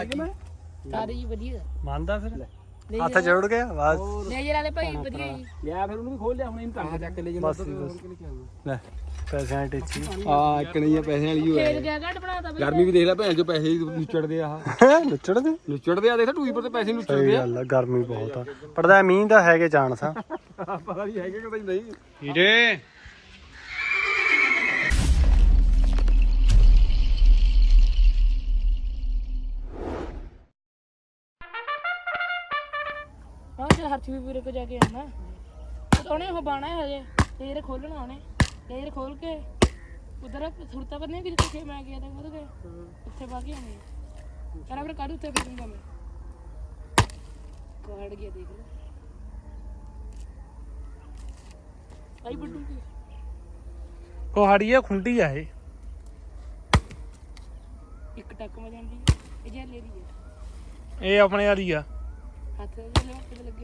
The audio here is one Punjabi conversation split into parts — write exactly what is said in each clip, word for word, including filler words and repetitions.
ਸਾਰੇ ਜੀ ਵਧੀਆ ਮੰਨਦਾ ਫਿਰ ਹੱਥ ਜੋੜ ਗਿਆ ਬਸ ਨੇਜਰ ਵਾਲੇ ਭਾਈ ਵਧੀਆ ਜੀ ਲਿਆ ਫਿਰ ਉਹਨੂੰ ਵੀ ਖੋਲ ਲਿਆ ਹੁਣ ਇਹਨੂੰ ਟੰਗ ਚੱਕ ਲੈ ਬਸ ਲੈ ਪੈਸਿਆਂ ਦੀ ਟੇਚੀ ਆ ਇੱਕ ਨਹੀਂ ਆ ਪੈਸੇ ਵਾਲੀ ਹੋ ਫੇਰ ਗਿਆ ਘੱਟ ਬਣਾਤਾ ਬਈ ਗਰਮੀ ਵੀ ਦੇਖ ਲੈ ਭੈਣ ਜੋ ਪੈਸੇ ਨੁੱਚੜਦੇ ਆ ਨੁੱਚੜਦੇ ਨੁੱਚੜਦੇ ਆ ਦੇਖ ਟੂਈ ਪਰ ਤੇ ਪੈਸੇ ਨੁੱਚੜਦੇ ਸਹੀ ਆ ਗੱਲ ਆ ਗਰਮੀ ਬਹੁਤ ਆ ਪੜਦਾ ਮੀਂਹ ਦਾ ਹੈਗੇ ਚਾਂਸ ਆ ਪਤਾ ਨਹੀਂ ਹੈਗੇ ਕਿ ਨਹੀਂ ਹੀਰੇ ਹਾਂ ਚਲ ਹਰਚ ਵੀ ਵੀਰੇ ਕੋ ਜਾ ਕੇ ਆਣਾ ਉਹਨੇ ਉਹ ਬਾਣਾ ਹੈ ਹਜੇ ਤੇਰੇ ਖੋਲਣਾ ਉਹਨੇ ਤੇਰੇ ਖੋਲ ਕੇ ਉਧਰ ਸੁਰਤਾ ਕਰਨੇ ਕਿ ਜਿੱਥੇ ਮੈਂ ਗਿਆ ਤਾਂ ਉਹਦੇ ਉੱਥੇ ਬਾਕੀ ਆਣੇ ਕਰਾ ਫਿਰ ਕੱਢ ਉੱਤੇ ਫਿਰੂੰਗਾ ਮੈਂ ਕਾੜ ਗਿਆ ਦੇਖ ਲੈ ਆਈ ਬੱਡੂ ਕੀ ਕੋਹਾੜੀ ਆ ਖੁੰਡੀ ਆ ਇਹ ਇੱਕ ਟੱਕ ਮ ਜਾਂਦੀ ਇਹ ਜੇ ਲੈ ਦੀ ਹੈ ਇਹ ਆਪਣੇ ਵਾਲੀ ਆ ਹੱਥ ਦੇ ਲੈ ਤੇ ਲੱਗੇ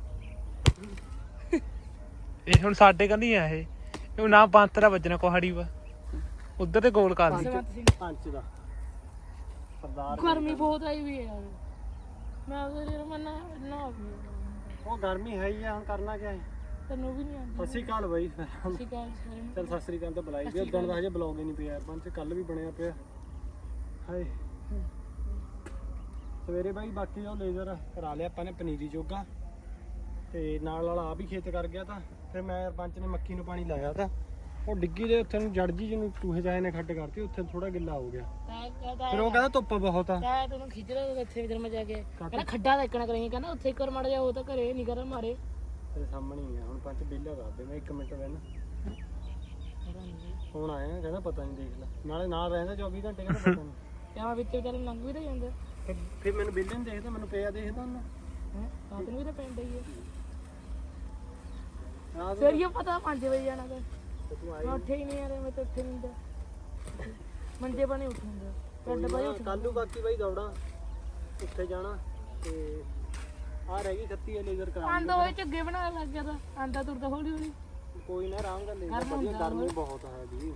ਇਹ ਹੁਣ ਸਾਡੇ ਕੰਨੀ ਆ ਇਹ ਇਹ ਨਾ ਪੰਤਰਾ ਵੱਜਣਾ ਕੋਹਾੜੀ ਵਾ ਉਧਰ ਤੇ ਗੋਲ ਕਰ ਲਈ ਪੰਜ ਦਾ ਸਰਦਾਰ ਗਰਮੀ ਬਹੁਤ ਆਈ ਵੀ ਹੈ ਯਾਰ ਮੈਂ ਉਹਦੇ ਮਨਾ ਨਾ ਉਹ ਗਰਮੀ ਹੈ ਹੀ ਆ ਹੁਣ ਕਰਨਾ ਕੀ ਹੈ ਤੈਨੂੰ ਵੀ ਨਹੀਂ ਆਉਂਦੀ ਸਤਿ ਸ਼੍ਰੀ ਅਕਾਲ ਬਾਈ ਸਤਿ ਸ਼੍ਰੀ ਅਕਾਲ ਸਾਰਿਆਂ ਨੂੰ ਚੱਲ ਸਤਿ ਸ਼੍ਰੀ ਅਕਾਲ ਤਾਂ ਬੁਲਾਈ ਵੀ ਉਦੋਂ ਦਾ ਹਜੇ ਬਲੌਗ ਹੀ ਨਹੀਂ ਪਿਆ ਯਾਰ ਪੰਜ ਕੱਲ ਵੀ ਬਣਿਆ ਪਿਆ ਹਾਏ ਸਵੇਰੇ ਬਾਈ ਬਾਕੀ ਉਹ ਲੇਜ਼ਰ ਕਰਾ ਲਿਆ ਆਪਾਂ ਨੇ ਪਨੀਰੀ ਜੋਗਾ ਤੇ ਨਾਲ ਵਾਲਾ ਆ ਵੀ ਖੇਤ ਕਰ ਗਿਆ ਤਾਂ ਫਿਰ ਮੈਂ ਯਾਰ ਪੰਜ ਨੇ ਮੱਕੀ ਨੂੰ ਪਾਣੀ ਲਾਇਆ ਤਾਂ ਉਹ ਡਿੱਗੀ ਦੇ ਉੱਥੇ ਨੂੰ ਜੜ ਜੀ ਜਿਹਨੂੰ ਚੂਹੇ ਜਾਏ ਨੇ ਖੱਡ ਕਰਤੀ ਉੱਥੇ ਥੋੜਾ ਗਿੱਲਾ ਹੋ ਗਿਆ ਫਿਰ ਉਹ ਕਹਿੰਦਾ ਧੁੱਪ ਬਹੁਤ ਆ ਤਾਂ ਤੈਨੂੰ ਖਿੱਚ ਰਿਹਾ ਇੱਥੇ ਇਧਰ ਮੈਂ ਜਾ ਕੇ ਕਹਿੰਦਾ ਖੱਡਾ ਦੇਖਣਾ ਕਰਾਂਗੇ ਕਹਿੰਦਾ ਉੱਥੇ ਇੱਕ ਵਾਰ ਮੜ ਜਾ ਉਹ ਤਾਂ ਘਰੇ ਨਹੀਂ ਕਰਨ ਮਾਰੇ ਤੇਰੇ ਸਾਹਮਣੇ ਹੀ ਆ ਹੁਣ ਪੰਜ ਬਿੱਲਾ ਕਰ ਦੇ ਮੈਂ ਇੱਕ ਮਿੰਟ ਬੈਨ ਹੁਣ ਆਇਆ ਕਹਿੰਦਾ ਪਤਾ ਨਹੀਂ ਦੇਖ ਲੈ ਨਾਲੇ ਨਾਲ ਰਹਿੰਦਾ ਚੌਵੀ ਘੰਟੇ ਕਹਿੰਦਾ ਪਤਾ ਨਹੀਂ ਕਿਆ ਵਿੱਚ ਵਿਚਾਰੇ ਲੰਘ ਵੀ ਤਾਂ ਜਾਂਦਾ ਫਿਰ ਫਿਰ ਮੈਨੂੰ ਬਿੱਲੇ ਨੂੰ ਦੇਖਦਾ ਮੈਨੂੰ ਪਿਆ ਦੇਖਦਾ ਉਹਨੂੰ ਹੈ ਤਾਂ ਤੈਨੂੰ ਵੀ ਤਾਂ ਪੈਂਦਾ ਹੀ ਹੈ ਆਹ ਫਿਰ ਇਹ ਪਤਾ ਪੰਜ ਵਜੇ ਜਾਣਾ ਤਾਂ ਤੇ ਤੂੰ ਆਈ ਮੈਂ ਉੱਠੇ ਹੀ ਨਹੀਂ ਯਾਰ ਮੈਂ ਤਾਂ ਉੱਠੇ ਨਹੀਂ ਹੁੰਦਾ ਮੰਜੇ ਬਣੇ ਉੱਠੂਗਾ ਕੱਢ ਬਾਈ ਉੱਠ ਕੱਲ ਨੂੰ ਬਾਕੀ ਬਾਈ ਦੌੜਾ ਉੱਥੇ ਜਾਣਾ ਤੇ ਆ ਰਹਿ ਗਈ ਖੱਤੀ ਆ ਲੇਜ਼ਰ ਕਰਾ ਆਂਦਾ ਹੋਏ ਝੱਗੇ ਬਣਾਉਣ ਲੱਗ ਗਿਆ ਤਾਂ ਆਂਦਾ ਤੁਰਦਾ ਹੌਲੀ ਹੌਲੀ ਕੋਈ ਨਾ ਆਰਾਮ ਕਰ ਲੇਜ਼ਰ ਵਧੀਆ ਗਰਮੀ ਬਹੁਤ ਹੈ ਜੀ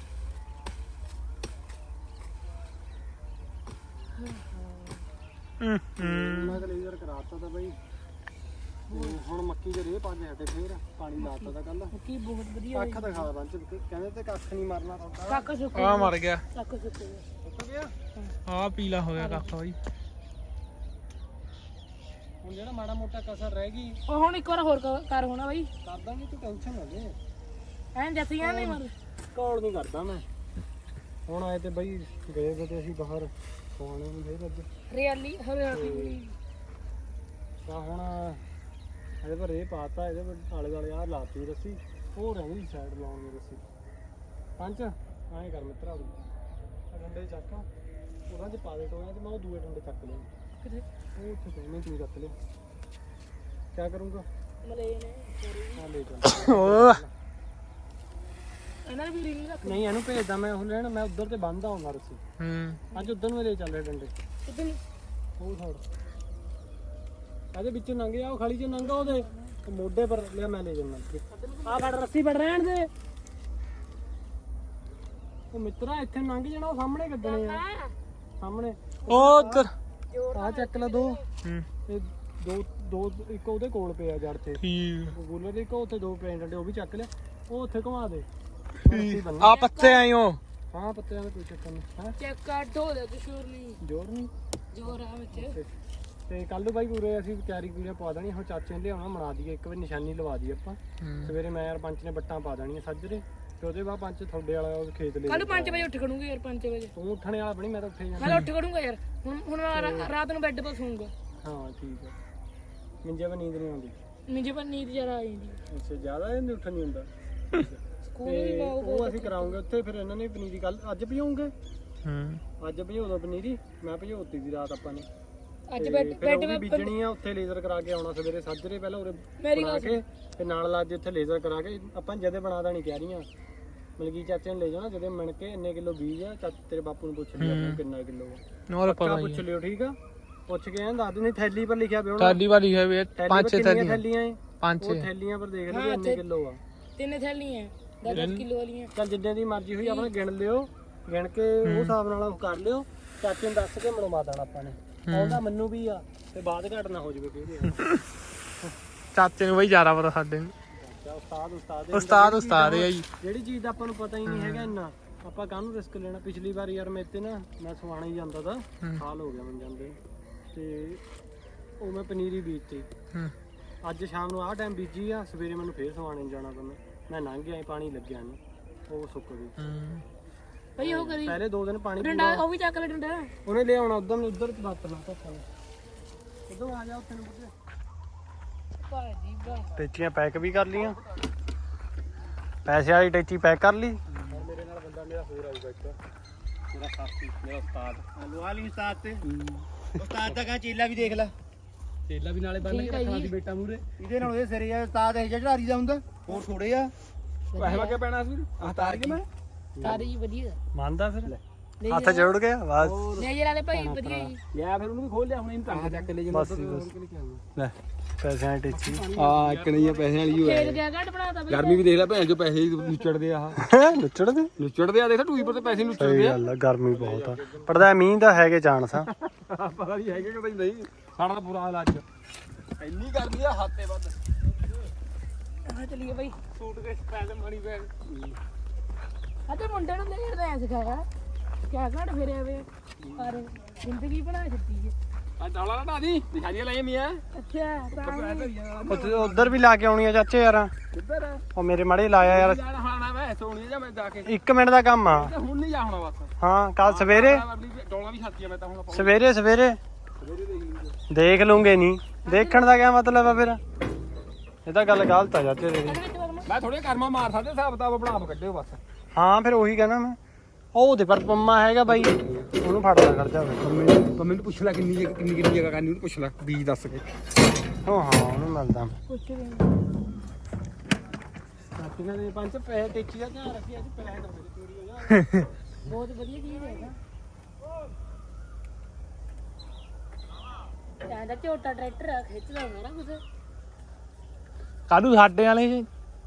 ਮੈਂ ਤਾਂ ਲੇਜ਼ਰ ਕਰਾਤਾ ਤਾਂ ਬਾਈ ਹੁਣ ਮੱਕੀ ਦੇ ਰੇ ਪੰਜ ਹਟੇ ਫੇਰ ਪਾਣੀ ਲਾਤਾ ਤਾਂ ਕੱਲ ਕੀ ਬਹੁਤ ਵਧੀਆ ਕੱਖ ਦਿਖਾ ਬੰਚ ਕਹਿੰਦੇ ਤੇ ਕੱਖ ਨਹੀਂ ਮਰਨਾ ਤੁਹਾਡਾ ਕੱਕ ਸੁੱਕ ਆ ਮਰ ਗਿਆ ਕੱਕ ਸੁੱਕ ਗਿਆ ਸੁੱਕ ਗਿਆ ਆ ਪੀਲਾ ਹੋ ਗਿਆ ਕੱਖ ਬਾਈ ਹੁਣ ਜਿਹੜਾ ਮਾੜਾ ਮੋਟਾ ਕਸਰ ਰਹਿ ਗਈ ਉਹ ਹੁਣ ਇੱਕ ਵਾਰ ਹੋਰ ਕਰ- ਕਰ ਹੋਣਾ ਬਾਈ ਕਰ ਦਾਂਗੇ ਤੂੰ ਟੈਨਸ਼ਨ ਨਾ ਲੈ ਐਂ ਜੱਸੀਆਂ ਨਹੀਂ ਮਰ ਕਾਲ ਨਹੀਂ ਕਰਦਾ ਮੈਂ ਹੁਣ ਆਏ ਤੇ ਬਈ ਗਏ ਵੇ ਤੇ ਅਸੀਂ ਬਾਹਰ ਸੋਣੇ ਨੂੰ ਫੇਰ ਅੱਜ ਰਿਆਲੀ ਹਰਿਆਲੀ ਤਾਂ ਹੁਣ ਇਹਦੇ ਪਰ ਇਹ ਪਾਤਾ ਇਹਦੇ ਪਰ ਆਲੇ ਦੁਆਲੇ ਆਹ ਲਾਤੀ ਰੱਸੀ ਉਹ ਰਹਿੰਦੀ ਸਾਈਡ ਲਾਉਣ ਦੀ ਰੱਸੀ ਪੰਜ ਐਂ ਕਰ ਮਿੱਤਰਾ ਉਹ ਡੰਡੇ ਚੱਕ ਉਹਨਾਂ 'ਚ ਪਾ ਦੇ ਟੋਇਆ ਤੇ ਮੈਂ ਉਹ ਦੂਏ ਡੰਡੇ ਚੱਕ ਲਿਆ ਕਿਤੇ ਉਹ ਉੱਥੇ ਪਏ ਮੈਂ ਤੂੰ ਰੱਖ ਲਿਆ ਕੀ ਕਰੂੰਗਾ ਮਲੇ ਨੇ ਆ ਲੈ ਜਾ ਇਹਨਾਂ ਨੇ ਵੀ ਰਿੰਗ ਰੱਖ ਨਹੀਂ ਇਹਨੂੰ ਭੇਜਦਾ ਮੈਂ ਉਹ ਲੈਣ ਮੈਂ ਉਧਰ ਤੇ ਬੰਨਦਾ ਹੁੰਦਾ ਰੱਸੀ ਹੂੰ ਅੱਜ ਉਧਰ ਨੂੰ ਲੈ ਚੱਲ ਰਿਹਾ ਡੰਡੇ ਕਿਤੇ ਉਹ ਛੋੜ ਇਹਦੇ ਵਿੱਚੋਂ ਲੰਘ ਜਾ ਉਹ ਖਾਲੀ ਚੋਂ ਲੰਘਾ ਉਹਦੇ ਤੇ ਮੋਢੇ ਪਰ ਲਿਆ ਮੈਂ ਲੈ ਜਾਣਾ ਆ ਫੜ ਰੱਸੀ ਫੜ ਰਹਿਣ ਦੇ ਉਹ ਮਿੱਤਰਾ ਇੱਥੇ ਲੰਘ ਜਾਣਾ ਉਹ ਸਾਹਮਣੇ ਕੱਢਣੇ ਆ ਸਾਹਮਣੇ ਉਹ ਉੱਧਰ ਆ ਚੱਕ ਲੈ ਦੋ ਹੂੰ ਤੇ ਦੋ ਦੋ ਇੱਕ ਉਹਦੇ ਕੋਲ ਪਿਆ ਜੜ ਤੇ ਠੀਕ ਗੂਲਰ ਦੇ ਇੱਕ ਉੱਥੇ ਦੋ ਪਏ ਡੰਡੇ ਉਹ ਵੀ ਚੱਕ ਲਿਆ ਉਹ ਉੱਥੇ ਘੁਮਾ ਦੇ ਆ ਪੱਤੇ ਆਇਓ ਹਾਂ ਪੱਤਿਆਂ ਦਾ ਕੋਈ ਚੱਕਰ ਨਹੀਂ ਹਾਂ ਚੈੱਕ ਕਰ ਢੋ ਦੇ ਕਿਸ਼ੋਰ ਨਹੀਂ ਜੋਰ ਨਹੀਂ ਜੋਰ ਆ ਵਿੱਚ ਤੇ ਕੱਲ ਨੂੰ ਬਾਈ ਪੂਰੇ ਅਸੀਂ ਤਿਆਰੀ ਪੂਰੀ ਪਾ ਦੇਣੀ ਹੁਣ ਚਾਚੇ ਨੇ ਲਿਆਉਣਾ ਮਨਾ ਦਈਏ ਇੱਕ ਵਾਰ ਨਿਸ਼ਾਨੀ ਲਵਾ ਦਈਏ ਆਪਾਂ ਸਵੇਰੇ ਮੈਂ ਯਾਰ ਪੰਚ ਨੇ ਬੱਟਾਂ ਪਾ ਦੇਣੀਆਂ ਸੱਜਰੇ ਤੇ ਉਹਦੇ ਬਾਅਦ ਪੰਚ ਤੁਹਾਡੇ ਵਾਲਾ ਉਹ ਖੇਤ ਲੈ ਕੱਲ ਪੰਜ ਵਜੇ ਉੱਠ ਖੜੂੰਗੇ ਯਾਰ ਪੰਜ ਵਜੇ ਤੂੰ ਉੱਠਣੇ ਵਾਲਾ ਬਣੀ ਮੈਂ ਤਾਂ ਉੱਠੇ ਜਾਣਾ ਮੈਂ ਉੱਠ ਖੜੂੰਗਾ ਯਾਰ ਹੁਣ ਹੁਣ ਮੈਂ ਰਾ- ਰਾਤ ਨੂੰ ਬੈੱਡ 'ਤੇ ਸੌਂਗਾ ਹਾਂ ਠੀਕ ਹੈ ਮਿੰਜੇ ਵੀ ਨੀਂਦ ਨਹੀਂ ਆਉਂਦੀ ਨਿੱਜੇ ਪਰ ਨੀਂਦ ਜਰਾ ਆ ਜਾਂਦੀ ਅੱਛਾ ਜ਼ਿਆਦਾ ਇਹ ਉੱਠ ਨਹੀਂ ਹੁੰਦਾ ਸਕੂਲ ਤੇ ਵੀ ਬਹੁਤ ਉਹ ਅਸੀਂ ਕਰਾਉਂਗੇ ਉੱਥੇ ਫਿਰ ਇਹਨਾਂ ਨੇ ਪਨੀਰੀ ਕੱਲ ਅੱਜ ਭਿਉਂਗੇ ਹੂੰ ਅੱਜ ਭਿਓ ਦੋ ਪਨੀਰੀ ਮੈਂ ਭਿਓਤੀ ਦੀ ਰਾਤ ਆਪਾਂ ਨੇ ਅੱਜ ਤੇ ਬੈੱਡ ਫਿਰ ਬੈੱਡ ਉਹ ਵੀ ਮੈਂ ਬੀਜਣੀ ਆ ਉੱਥੇ ਲੇਜ਼ਰ ਕਰਾ ਕੇ ਆਉਣਾ ਸਵੇਰੇ ਸਾਜਰੇ ਪਹਿਲਾਂ ਉਰੇ ਮੇਰੀ ਬਣਾ ਗੱਲ ਕੇ ਤੇ ਨਾਲ ਲਾ ਕੇ ਉੱਥੇ ਲੇਜ਼ਰ ਕਰਾ ਕੇ ਆਪਾਂ ਜਦੇ ਬਣਾ ਦੇਣੀ ਕਹਿ ਰਹੀਆਂ ਮਲਕੀ ਚਾਚੇ ਨੂੰ ਲੈ ਜਾਣਾ ਜਦੇ ਮਿਣ ਕੇ ਇੰਨੇ ਕਿਲੋ ਬੀਜ ਆ ਚਾਚੇ ਤੇਰੇ ਬਾਪੂ ਨੂੰ ਪੁੱਛ ਲਿਆ ਆਪਾਂ ਕਿੰਨਾ ਕਿਲੋ ਆ ਨੋਰ ਪੱਕਾ ਪਤਾ ਪੁੱਛ ਲਿਓ ਠੀਕ ਆ ਪੁੱਛ ਕੇ ਐਂ ਦੱਸ ਦਿੰਦੇ ਥੈਲੀ ਪਰ ਲਿਖਿਆ ਪਿਆ ਥੈਲੀ ਵਾਲੀ ਹੈ ਵੀ ਥੈਲੀ ਪੰਜ ਪਰ ਛੇ ਕਿੰਨੀਆਂ ਥੈਲੀਆਂ ਥੈਲੀਆਂ ਏ ਪੰਜ ਉਹ ਛੇ ਥੈਲੀਆਂ ਪਰ ਦੇਖ ਲਓ ਵੀ ਇੰਨੇ ਕਿਲੋ ਆ ਤਿੰਨ ਥੈਲੀਆਂ ਦਸ ਦਸ ਕਿਲੋ ਵਾਲੀਆਂ ਚੱਲ ਜਿੰਨੇ ਦੀ ਮਰਜ਼ੀ ਹੋਈ ਆਪਣਾ ਗਿਣ ਲਿਓ ਗਿਣ ਕੇ ਉਹ ਹਿਸਾਬ ਨਾਲ ਉਹ ਕਰ ਲਿਓ ਚਾਚੇ ਨੂੰ ਦੱਸ ਕੇ ਮਨਵਾ ਦੇਣਾ ਆਪਾਂ ਨੇ ਆਉਂਦਾ ਮੈਨੂੰ ਵੀ ਆ ਤੇ ਬਾਅਦ ਘਟ ਨਾ ਹੋ ਜਾਵੇ ਕਿਹਦੇ ਚਾਚੇ ਨੂੰ ਬਈ ਜ਼ਿਆਦਾ ਪਤਾ ਸਾਡੇ ਨੂੰ ਉਸਤਾਦ ਉਸਤਾਦ ਉਸਤਾਦ ਉਸਤਾਦ ਹੈ ਜੀ ਜਿਹੜੀ ਚੀਜ਼ ਦਾ ਆਪਾਂ ਨੂੰ ਪਤਾ ਹੀ ਨਹੀਂ ਹੈਗਾ ਇੰਨਾ ਆਪਾਂ ਕਾਹਨੂੰ ਰਿਸਕ ਲੈਣਾ ਪਿਛਲੀ ਵਾਰ ਯਾਰ ਮੇਰੇ ਤੇ ਨਾ ਮੈਂ ਸਵਾਣਾ ਹੀ ਜਾਂਦਾ ਤਾਂ ਸਾਲ ਹੋ ਗਿਆ ਮੈਨੂੰ ਜਾਂਦੇ ਤੇ ਉਹ ਮੈਂ ਪਨੀਰੀ ਬੀਜਤੀ ਅੱਜ ਸ਼ਾਮ ਨੂੰ ਆਹ ਟਾਈਮ ਬੀਜੀ ਆ ਸਵੇਰੇ ਮੈਨੂੰ ਫੇਰ ਸਵਾਣੇ ਜਾਣਾ ਪੈਣਾ ਮੈਂ ਲੰਘ ਗਿਆ ਪਾਣੀ ਲੱਗਿਆ ਨਹੀਂ ਉਹ ਸੁੱਕ ਗਈ ਭਈ ਉਹ ਕਰੀ ਪਹਿਲੇ ਦੋ ਦਿਨ ਪਾਣੀ ਡੰਡਾ ਉਹ ਵੀ ਚੱਕ ਲੈ ਡੰਡਾ ਉਹਨੇ ਲਿਆਉਣਾ ਉਧਰ ਨੂੰ ਉਧਰ ਬਾਤਣਾ ਧੱਕਾ ਉਧਰ ਆ ਜਾ ਉੱਥੇ ਨੂੰ ਬੁੱਢੇ ਭਾਜੀ ਬਾ ਟੈਚੀਆਂ ਪੈਕ ਵੀ ਕਰ ਲੀਆਂ ਪੈਸੇ ਵਾਲੀ ਟੈਚੀ ਪੈਕ ਕਰ ਲਈ ਮੇਰੇ ਨਾਲ ਬੰਦਾ ਮੇਰਾ ਹੋਰ ਆਊਗਾ ਇੱਕ ਮੇਰਾ ਸਾਥੀ ਮੇਰਾ ਉਸਤਾਦ ਲਵਾ ਲਈ ਉਸਤਾਦ ਤੇ ਉਸਤਾਦ ਦਾ ਕਾ ਚੇਲਾ ਵੀ ਦੇਖ ਲੈ ਚੇਲਾ ਵੀ ਨਾਲੇ ਬੰਨ ਕੇ ਰੱਖਣਾ ਸੀ ਬੇਟਾ ਮੂਰੇ ਇਹਦੇ ਨਾਲ ਉਹਦੇ ਸਿਰੇ ਆ ਉਸਤਾਦ ਇਹ ਚੜਾਰੀ ਦਾ ਹੁੰਦਾ ਹੋਰ ਥੋੜੇ ਆ ਪੈਸੇ ਵਾਕੇ ਪੈਣਾ ਸੀ ਆਹ ਤਾਰ ਕੇ ਮੈਂ ਤਾਰੀ ਵਧੀਆ ਮੰਨਦਾ ਫਿਰ ਹੱਥ ਜੋੜ ਗਿਆ ਬਸ ਨੇਜਰ ਵਾਲੇ ਭਾਈ ਵਧੀਆ ਜੀ ਲਿਆ ਫਿਰ ਉਹਨੂੰ ਵੀ ਖੋਲ ਲਿਆ ਹੁਣ ਇਹਨੂੰ ਟੰਗ ਚੱਕ ਕੇ ਲੈ ਜਾਂਦਾ ਲੈ ਪੈਸਿਆਂ ਦੀ ਟੈਚੀ ਆ ਇੱਕ ਨਹੀਂ ਆ ਪੈਸਿਆਂ ਵਾਲੀ ਹੋਇਆ ਖੇਤ ਗਿਆ ਘੱਟ ਬਣਾਤਾ ਬਈ ਗਰਮੀ ਵੀ ਦੇਖ ਲੈ ਭੈਣ ਜੋ ਪੈਸੇ ਨੁੱਚੜਦੇ ਆ ਆਹ ਨੁੱਚੜਦੇ ਨੁੱਚੜਦੇ ਆ ਦੇਖ ਟੂਈ ਪਰ ਤੇ ਪੈਸੇ ਨੁੱਚੜਦੇ ਆ ਗੱਲ ਗਰਮੀ ਬਹੁਤ ਆ ਪੜਦਾ ਮੀਂਹ ਦਾ ਹੈਗੇ ਚਾਂਸ ਆ ਪਤਾ ਨਹੀਂ ਹੈਗੇ ਕਿ ਨਹੀਂ ਸਾਡਾ ਤਾਂ ਬੁਰਾ ਹਾਲ ਅੱਜ ਇੰਨੀ ਗਰਮੀ ਆ ਹੱਥੇ ਵੱਧ ਆ ਚਲੀਏ ਭਾਈ ਸੂਟ ਕੇ ਪੈਸੇ ਮਣੀ ਬੈਗ ਅਤੇ ਮੁੰਡੇ ਨੂੰ ਨੇਜਰ ਦਾ ਐ ਸਿਖਾਇਆ ਕਿਆ ਘੜ ਫਿਰਿਆ ਵੇ ਪਰ ਜ਼ਿੰਦਗੀ ਬਣਾ ਦਿੱਤੀ ਹੈ ਆ ਡਾਲਾ ਨਾ ਢਾਦੀ ਨਿਸ਼ਾਨੀਆਂ ਲਾਈਆਂ ਮੀਆਂ ਅੱਛਾ ਉਧਰ ਵੀ ਲਾ ਕੇ ਆਉਣੀ ਆ ਚਾਚੇ ਯਾਰ ਕਿੱਧਰ ਉਹ ਮੇਰੇ ਮਾੜੇ ਲਾਇਆ ਯਾਰ ਹਾਣਾ ਮੈਂ ਸੋਣੀ ਜਾਂ ਮੈਂ ਜਾ ਕੇ ਇੱਕ ਮਿੰਟ ਦਾ ਕੰਮ ਆ ਹੁਣ ਨਹੀਂ ਜਾ ਹੋਣਾ ਬਸ ਹਾਂ ਕੱਲ ਸਵੇਰੇ ਡੋਲਾ ਵੀ ਛਾਤੀ ਆ ਮੈਂ ਤਾਂ ਹੁਣ ਸਵੇਰੇ ਸਵੇਰੇ ਦੇਖ ਲੂੰਗੇ ਨਹੀਂ ਦੇਖਣ ਦਾ ਕਿਆ ਮਤਲਬ ਆ ਫਿਰ ਇਹ ਤਾਂ ਗੱਲ ਗਲਤ ਆ ਚਾਚੇ ਤੇਰੀ ਮੈਂ ਥੋੜੇ ਕਰਮਾ ਮਾਰ ਸਕਦੇ ਹਿਸਾਬ ਕਿਤਾਬ ਬਣਾ ਕੇ ਕੱਢਿਓ ਬਸ ਹਾਂ ਫਿਰ ਉਹੀ ਕਹਿਣਾ ਮੈਂ ਉਹ ਉਹਦੇ ਪਰ ਪੰਮਾ ਹੈਗਾ ਬਾਈ ਉਹਨੂੰ ਫੜਦਾ ਕਰ ਜਾ ਪੰਮੇ ਨੂੰ ਪੁੱਛ ਲੈ ਕਿੰਨੀ ਜਗ੍ਹਾ ਕਿੰਨੀ ਕਿੰਨੀ ਜਗ੍ਹਾ ਕਰਨੀ ਉਹਨੂੰ ਪੁੱਛ ਲੈ ਬੀਜ ਦੱਸ ਕੇ ਹਾਂ ਹਾਂ ਉਹਨੂੰ ਮਿਲਦਾ ਕੁਛ ਵੀ ਸਾਥੀਆਂ ਦੇ ਪੰਜ ਪੈਸੇ ਟੇਚੀ ਦਾ ਧਿਆਨ ਰੱਖੀ ਅੱਜ ਪੈਸੇ ਨਾ ਮੇਰੇ ਚੋਰੀ ਹੋ ਜਾ ਬਹੁਤ ਵਧੀਆ ਚੀਜ਼ ਹੈ ਨਾ ਦਾ ਝੋਟਾ ਟਰੈਕਟਰ ਆ ਖਿੱਚਦਾ ਹੁੰਦਾ ਨਾ ਕੁਛ ਕਾਹਨੂੰ ਸਾਡੇ ਵਾਲੇ ਜੀ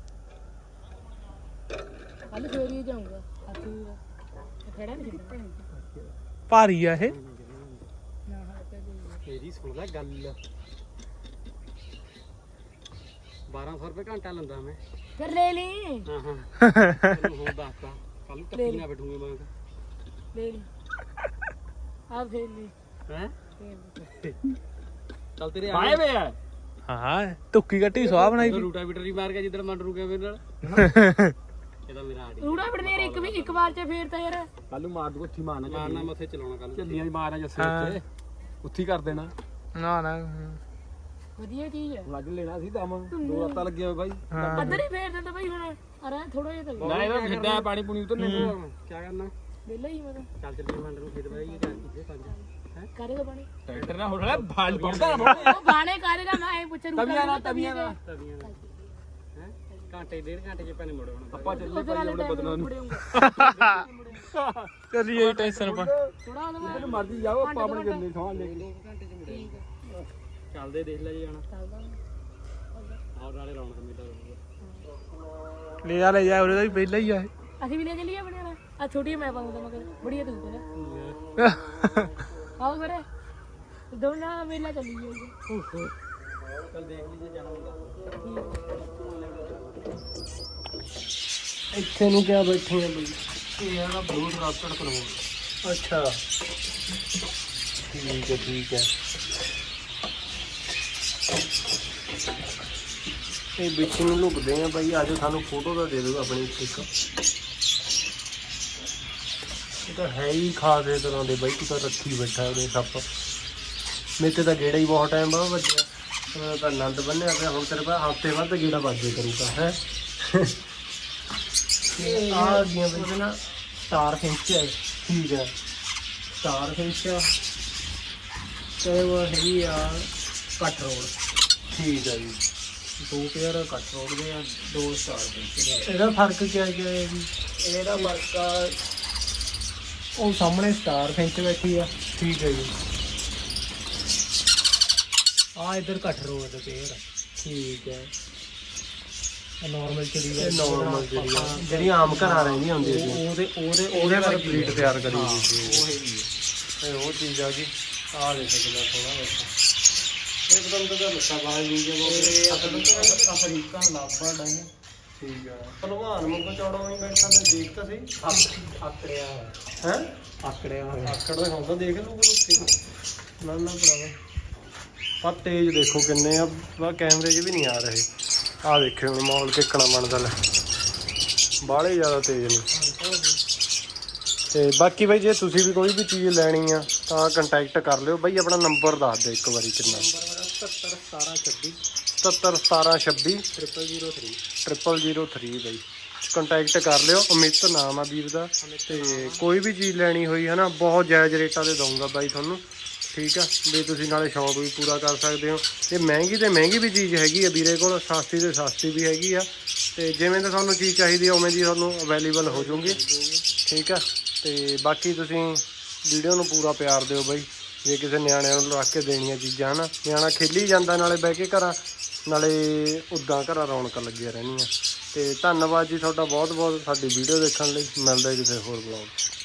ਕੱਲ ਫੇਰੀ ਜਾਊਂਗਾ ਹਾਥੀ ਦਾ ਖੜਾ ਨਹੀਂ ਛੱਡਣਾ ਭਾਰੀ ਆ ਇਹ ਨਾ ਹਾਂ ਤੇ ਤੇਰੀ ਸੁਣ ਲੈ ਗੱਲ ਬਾਰਾਂ ਸੌ ਰੁਪਏ ਘੰਟਾ ਲੈਂਦਾ ਮੈਂ ਫਿਰ ਲੈ ਲਈ ਹਾਂ ਹਾਂ ਤੈਨੂੰ ਹੁਣ ਦੱਸਦਾ ਕੱਲ ਨੂੰ ਟੱਪੀ ਨਾ ਬੈਠੂਗੇ ਮੈਂ ਲੈ ਲਈ ਆ ਫੇਰ ਲਈ ਹੈ ਫੇਰ ਚੱਲ ਤੇਰੇ ਆਏ ਵੇ ਆ ਹਾਂ ਤੁੱਕੀ ਕੱਟੀ ਸਵਾਹ ਬਣਾਈ ਵੀ ਰੂਟਾ ਬੀਟਰ ਹੀ ਮਾਰ ਗਿਆ ਜਿੱਦਣ ਮੰਡ ਰੁਕਿਆ ਮੇਰੇ ਨਾਲ ਇਹਦਾ ਮੇਰਾ ਆੜੀ ਰੂੜਾ ਬੜਨੇ ਇੱਕ ਵੀ ਇੱਕ ਵਾਰ ਚ ਫੇਰ ਤਾਂ ਯਾਰ ਕੱਲ ਨੂੰ ਮਾਰ ਦੂ ਉੱਥੀ ਮਾਰਨਾ ਮਾਰਨਾ ਮੱਥੇ ਚਲਾਉਣਾ ਕੱਲ ਚੱਲੀਆਂ ਦੀ ਮਾਰਨਾ ਜੱਸੇ ਉੱਤੇ ਉੱਥੀ ਕਰ ਦੇਣਾ ਨਾ ਨਾ ਵਧੀਆ ਚੀਜ਼ ਹੈ ਲੱਗ ਲੈਣਾ ਸੀ ਦਮ ਦੋ ਰਾਤਾਂ ਲੱਗੀਆਂ ਹੋਏ ਬਾਈ ਅੱਧਰ ਹੀ ਫੇਰ ਦਿੰਦਾ ਬਾਈ ਹੁਣ ਅਰੇ ਥੋੜਾ ਜਿਹਾ ਤਾਂ ਨਾ ਇਹਦਾ ਫਿੱਡਾ ਪਾਣੀ ਪੂਣੀ ਉਤਰਨੇ ਨੂੰ ਕੀ ਕਰਨਾ ਵਿਹਲਾ ਹੀ ਮੈਂ ਤਾਂ ਚੱਲ ਚੱਲੀ ਮੰਡ ਨੂੰ ਖੇਤ ਬਾਈ ਜਾ ਕਿੱਥੇ ਪੰਜ ਹੈ ਕਰੇਗਾ ਪਾਣੀ ਟਰੈਕਟਰ ਨਾ ਹੋਣਾ ਬਾਲ ਪੜਦਾ ਨਾ ਉਹ ਬਾਣੇ ਕਰੇਗਾ ਮੈਂ ਐ ਪੁੱਛ ਰੂੜਾ ਤਵੀਆਂ ਨਾਲ ਤਵੀਆਂ ਨਾਲ ਤਵੀਆਂ ਨਾਲ ਹੈ ਘੰਟੇ ਡੇਢ ਘੰਟੇ ਚ ਪੈਣੇ ਮੁੜੇ ਹੁਣ ਆਪਾਂ ਚੱਲੇ ਭਾਈ ਉਹਨੇ ਬਦਲਾਂ ਨੂੰ ਥੋੜਾ ਚੱਲੀਏ ਟੈਨਸ਼ਨ ਪਾ ਉਹਦਾ ਜਿੱਦਨ ਮਰਜੀ ਜਾਓ ਆਪਾਂ ਆਪਣੇ ਗੰਦੇ ਸੌਂ ਲੈ ਕੇ ਘੰਟੇ ਚ ਮੁੜੇ ਚੱਲਦੇ ਦੇਖ ਲੈ ਜੀ ਜਾਣਾ ਚੱਲਦਾ ਆਹ ਨਾਲੇ ਰੌਣਕ ਮੇਲਾ ਰਹੂਗਾ ਲੈ ਜਾ ਲੈ ਜਾ ਉਹਦਾ ਵੀ ਪਹਿਲਾਂ ਹੀ ਆ ਇਹ ਅਸੀਂ ਵੀ ਲੈ ਚਲੀਏ ਆਪਣੇ ਨਾਲ ਆ ਛੋਟੀ ਮੈਂ ਪਾਉਂਦਾ ਮਗਰ ਬੜੀਆ ਤੂੰ ਕਰ ਆਓ ਫਿਰ ਦੋਨਾਂ ਮੇਲਾ ਚੱਲੀ ਜਾਊਗਾ ਚੱਲ ਦੇਖ ਲਈ ਜੇ ਜਾਣਾ ਹੁੰਦਾ ਇੱਥੇ ਨੂੰ ਕਿਆ ਬੈਠੇ ਆ ਬਈ ਇਹ ਆ ਨਾ ਬਲੂਟ ਰਾਸਟਡ ਕਰਵਾਉਣਾ ਅੱਛਾ ਠੀਕ ਹੈ ਠੀਕ ਹੈ ਇਹ ਵਿੱਚ ਨੂੰ ਲੁਕਦੇ ਆ ਬਾਈ ਆਜੋ ਸਾਨੂੰ ਫੋਟੋ ਤਾਂ ਦੇ ਦਿਓ ਆਪਣੀ ਇੱਕ ਇਹ ਤਾਂ ਹੈ ਹੀ ਖਾਸੇ ਤਰ੍ਹਾਂ ਦੇ ਬਾਈ ਤੂੰ ਤਾਂ ਰੱਖੀ ਬੈਠਾ ਉਹਦੇ ਸੱਪ ਮੇਰੇ ਤੇ ਤਾਂ ਗੇੜਾ ਹੀ ਬਹੁਤ ਟਾਈਮ ਬਾਅਦ ਵੱਜਿਆ ਮੈਂ ਤਾਂ ਆਨੰਦ ਬੰਨਿਆ ਪਿਆ ਹੁਣ ਤੇਰੇ ਪਾਸ ਹਫ਼ਤੇ ਬਾਅਦ ਗੇੜਾ ਵੱਜੇ ਕਰੂਗਾ ਹੈ ਆ ਗਈਆਂ ਬਈ ਨਾ ਸਟਾਰ ਫਿੰਚ ਹੈ ਠੀਕ ਹੈ ਸਟਾਰ ਫਿੰਚ ਤੇ ਉਹ ਹੈਗੀ ਆ ਕੱਟ ਰੋਡ ਠੀਕ ਹੈ ਜੀ ਦੋ ਪੇਅਰ ਕੱਟ ਰੋਡ ਦੇ ਆ ਦੋ ਸਟਾਰ ਫਿੰਚ ਦੇ ਇਹਦਾ ਫਰਕ ਕੀ ਹੈ ਜੀ ਇਹਦਾ ਫਰਕ ਆ ਉਹ ਸਾਹਮਣੇ ਸਟਾਰ ਫਿੰਚ ਬੈਠੀ ਆ ਠੀਕ ਹੈ ਜੀ ਆ ਇਧਰ ਕੱਟ ਰੋਡ ਦੇ ਪੇਅਰ ਠੀਕ ਹੈ ਨਾਰਮਲ ਚੜੀ ਹੈ ਨਾਰਮਲ ਜਿਹੜੀ ਆ ਜਿਹੜੀ ਆਮ ਘਰਾਂ ਰਹਿੰਦੀਆਂ ਹੁੰਦੀਆਂ ਸੀ ਉਹਦੇ ਉਹਦੇ ਉਹਦੇ ਪਰ ਬਰੀਡ ਤਿਆਰ ਕਰੀ ਹੋਈ ਸੀ ਉਹ ਹੈਗੀ ਇਹ ਉਹ ਚੀਜ਼ ਆ ਗਈ। ਆਹ ਦੇਖੋ ਕਿੰਨਾ ਸੋਹਣਾ ਬੈਠਾ। ਇਹ ਪਤਾ ਨਹੀਂ ਤਾਂ ਲੱਤਾਂ ਬਾਹਾਂ ਨਹੀਂ ਜੇ ਅਫਰੀਕਾ ਲਾਬੜ ਹੈ। ਠੀਕ ਆ ਭਲਵਾਨ ਮੁੱਕ ਚੌੜਾ ਨਹੀਂ ਬੈਠਾ ਮੈਂ ਦੇਖ ਤਾਂ ਸਹੀ। ਆਕੜਿਆ ਹੈ ਆਕੜਿਆ ਹੋਇਆ। ਆਕੜ ਦਾ ਹੁੰਦਾ ਦੇਖ ਲੂ ਉੱਤੇ ਨਾ ਨਾ ਭਰਾਵਾ। ਆ ਤੇਜ਼ ਦੇਖੋ ਕਿੰਨੇ ਆ ਬਾ ਕੈਮਰੇ 'ਚ ਵੀ ਨਹੀਂ ਆ ਰਹੇ। ਆਹ ਦੇਖਿਓ ਹੁਣ ਮਾਹੌਲ ਕਿੱਕਣਾ ਬਣਦਾ ਲੈ ਬਾਹਲੇ ਜ਼ਿਆਦਾ ਤੇਜ਼ ਨੇ। ਤੇ ਬਾਕੀ ਬਾਈ ਜੇ ਤੁਸੀਂ ਵੀ ਕੋਈ ਵੀ ਚੀਜ਼ ਲੈਣੀ ਆ ਤਾਂ ਕੰਟੈਕਟ ਕਰ ਲਿਓ ਬਾਈ। ਆਪਣਾ ਨੰਬਰ ਦੱਸ ਦਿਓ ਇੱਕ ਵਾਰੀ ਕਿੰਨਾ। ਸੱਤਰ ਸਤਾਰਾਂ ਛੱਬੀ ਸਤੱਤਰ ਸਤਾਰਾਂ ਛੱਬੀ triple zero three triple zero three ਬਾਈ ਕੰਟੈਕਟ ਕਰ ਲਿਓ। ਅਮਿਤ ਨਾਮ ਆ ਵੀਰ ਦਾ। ਤੇ ਕੋਈ ਵੀ ਚੀਜ਼ ਲੈਣੀ ਹੋਈ ਹੈ ਨਾ ਬਹੁਤ ਜਾਇਜ਼ ਰੇਟਾਂ ਤੇ ਦਊਂਗਾ ਬਾਈ ਤੁਹਾਨੂੰ। ਠੀਕ ਆ ਵੀ ਤੁਸੀਂ ਨਾਲੇ ਸ਼ੌਕ ਵੀ ਪੂਰਾ ਕਰ ਸਕਦੇ ਹੋ। ਤੇ ਮਹਿੰਗੀ ਤੇ ਮਹਿੰਗੀ ਵੀ ਚੀਜ਼ ਹੈਗੀ ਆ ਵੀਰੇ ਕੋਲ, ਸਸਤੀ ਤੇ ਸਸਤੀ ਵੀ ਹੈਗੀ ਆ। ਤੇ ਜਿਵੇਂ ਤਾਂ ਤੁਹਾਨੂੰ ਚੀਜ਼ ਚਾਹੀਦੀ ਆ ਉਵੇਂ ਦੀ ਤੁਹਾਨੂੰ ਅਵੇਲੇਬਲ ਹੋ ਜੂਗੀ। ਠੀਕ ਆ ਤੇ ਬਾਕੀ ਤੁਸੀਂ ਵੀਡੀਓ ਨੂੰ ਪੂਰਾ ਪਿਆਰ ਦਿਓ ਬਾਈ। ਜੇ ਕਿਸੇ ਨਿਆਣਿਆਂ ਨੂੰ ਰੱਖ ਕੇ ਦੇਣੀਆਂ ਚੀਜ਼ਾਂ ਹਨਾ, ਨਿਆਣਾ ਖੇਲੀ ਜਾਂਦਾ ਨਾਲੇ ਬਹਿ ਕੇ ਘਰਾਂ, ਨਾਲੇ ਉੱਦਾਂ ਘਰਾਂ ਰੌਣਕਾਂ ਲੱਗੀਆਂ ਰਹਿਣੀਆਂ। ਤੇ ਧੰਨਵਾਦ ਜੀ ਤੁਹਾਡਾ ਬਹੁਤ ਬਹੁਤ ਸਾਡੀ ਵੀਡੀਓ ਦੇਖਣ ਲਈ। ਮਿਲਦਾ ਕਿਸੇ ਹੋਰ ਬਲੌਗ।